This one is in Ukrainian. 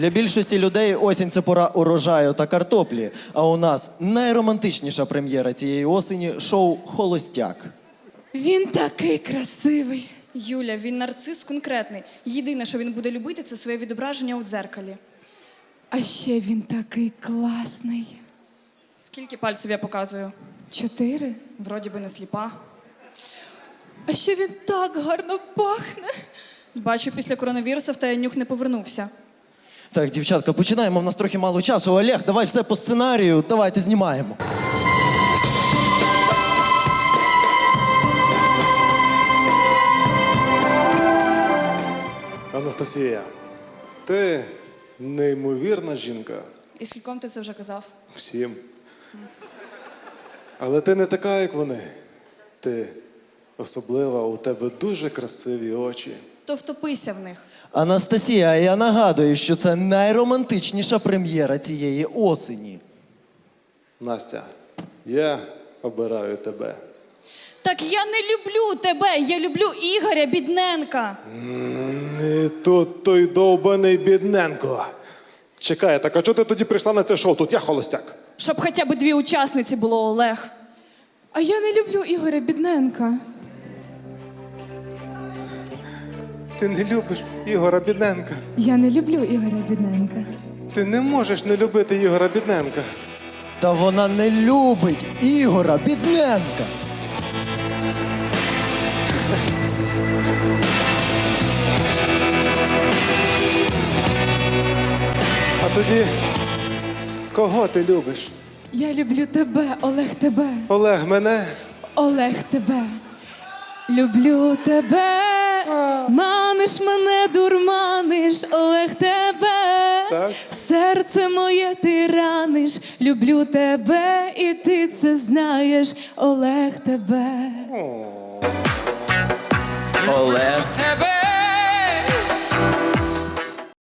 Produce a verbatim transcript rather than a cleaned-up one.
Для більшості людей осінь – це пора урожаю та картоплі. А у нас найромантичніша прем'єра цієї осені – шоу «Холостяк». Він такий красивий. Юля, він нарцис конкретний. Єдине, що він буде любити, це своє відображення у дзеркалі. А ще він такий класний. Скільки пальців я показую? Чотири. Вроді би не сліпа. А ще він так гарно пахне. Бачу, після коронавіруса в тебе нюх не повернувся. Так, дівчатка, починаємо, в нас трохи мало часу. Олег, давай все по сценарію, давайте знімаємо. Анастасія, ти неймовірна жінка. І скільком ти це вже казав? Всім. Але ти не така, як вони. Ти особлива, у тебе дуже красиві очі. То втопися в них. Анастасія, я нагадую, що це найромантичніша прем'єра цієї осені. Настя, я обираю тебе. Так я не люблю тебе, я люблю Ігоря Бідненка. Не тут той довбаний бідненко. Чекай, так а чого ти тоді прийшла на це шоу? Тут я холостяк. Щоб хоча б дві учасниці було, Олег. А я не люблю Ігоря Бідненка. Ти не любиш Ігора Бідненка. Я не люблю Ігоря Бідненка. Ти не можеш не любити Ігора Бідненка. Та вона не любить Ігора Бідненка. А тоді, кого ти любиш? Я люблю тебе, Олег, тебе. Олег мене? Олег, тебе. Люблю тебе. Маниш мене, дурманиш, Олег, тебе. Так. Серце моє ти раниш. Люблю тебе, і ти це знаєш, Олег, тебе. Олег. Тебе